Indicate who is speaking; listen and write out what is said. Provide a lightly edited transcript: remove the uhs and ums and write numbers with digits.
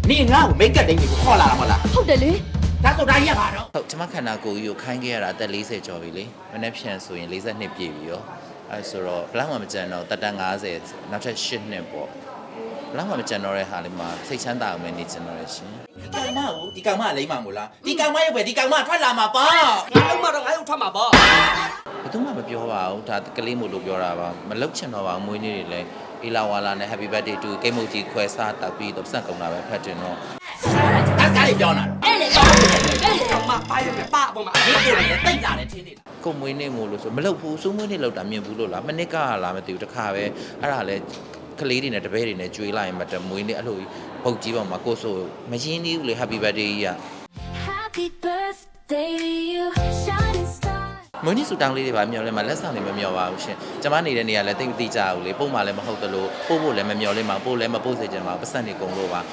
Speaker 1: နေငါ့ကိုမိတ်ကပ်တိုင်းကိုခေါ်လာတာမဟုတ်လား
Speaker 2: ဟုတ်တယ်လေ
Speaker 1: ဒါဆိုတာကြီးကဘာတော့
Speaker 3: ဟုတ်ကျွန်မခန္ဓာကိုယ်ကြီးကိုခိုင်းခဲ့ရတာအသက်40ကျော်ပြီလေမနေ့ဖြန်ဆိုရင်42ပြည့်ပြီရောအဲဆိုတော့ဘလောက်မှမကြံတော့တက်တန်း50နောက်ထပ်8နှစ်ပေါ့ဘလောက်မှမကြံတော့တဲ့ဟာလေးမှာစိတ်ချမ်းသာအောင်ပဲနေချင်တော့ရရှင်
Speaker 1: ကောင်မကိုဒီကောင်မလိမ့်မှာမို့လားဒီကောင်မရဲ့ပဲဒီကောင်မထွက်လာမှာပေါ့
Speaker 4: ငါလုံးမတော့ငါ့ကိုထွက်မှာပေါ့
Speaker 3: ဘယ်သူမှမပြောပါဘူးဒါကလေးမို့လို့ပြောတာပါမလုတ်ချင်တော့ပါဘူးမွေးနေ့တွေလည်းအေလာဝါလာနဲ့ Happy Birthday to ကိတ်မုတ်ကြီးခွဲစားတောက်ပြီးတော့စက်ကုန်တာပဲဖတ်တင်တော့
Speaker 1: အဲ့ကားလေးပြောနေတာ
Speaker 2: အဲ့လေ
Speaker 4: မပါရမယ်ပါအပေါ်မှာ
Speaker 1: ဒီကိုလည်းတိတ်လာတယ်ထင်းနေတာ
Speaker 3: ကိုမွေးနေ့မို့လို့ဆိုမလုတ်ဘူးစိုးမွေးနေ့လောက်တာမြင်ဘူးလို့လားမနစ်ကလားမသိဘူးတခါပဲအဲ့ဒါလည်းကလေးတွေနဲ့တပည့်တွေနဲ့ကြွေးလိုက်ရင်မတမွေးနေ့အဲ့လိုပုတ်ကြီးပေါ်မှာကိုဆိုမရင်းသေးဘူးလေ Happy Birthday ကြီးက
Speaker 2: Happy birthday to you shining star
Speaker 3: မွေးနေ့ဆူတောင်းလေးတွေပါမျောလဲမှာလက်ဆောင်တွေမမျောပါဘူးရှင်ကျမနေတဲ့နေရာလည်းတိတ်မတိကြဘူးလေပုံမှန်လည်းမဟုတ်သလိုပို့ဖို့လည်းမမျောလဲမှာပို့လည်းမပို့စေချင်ပါဘူးပတ်စံနေကုန်လို့ပါ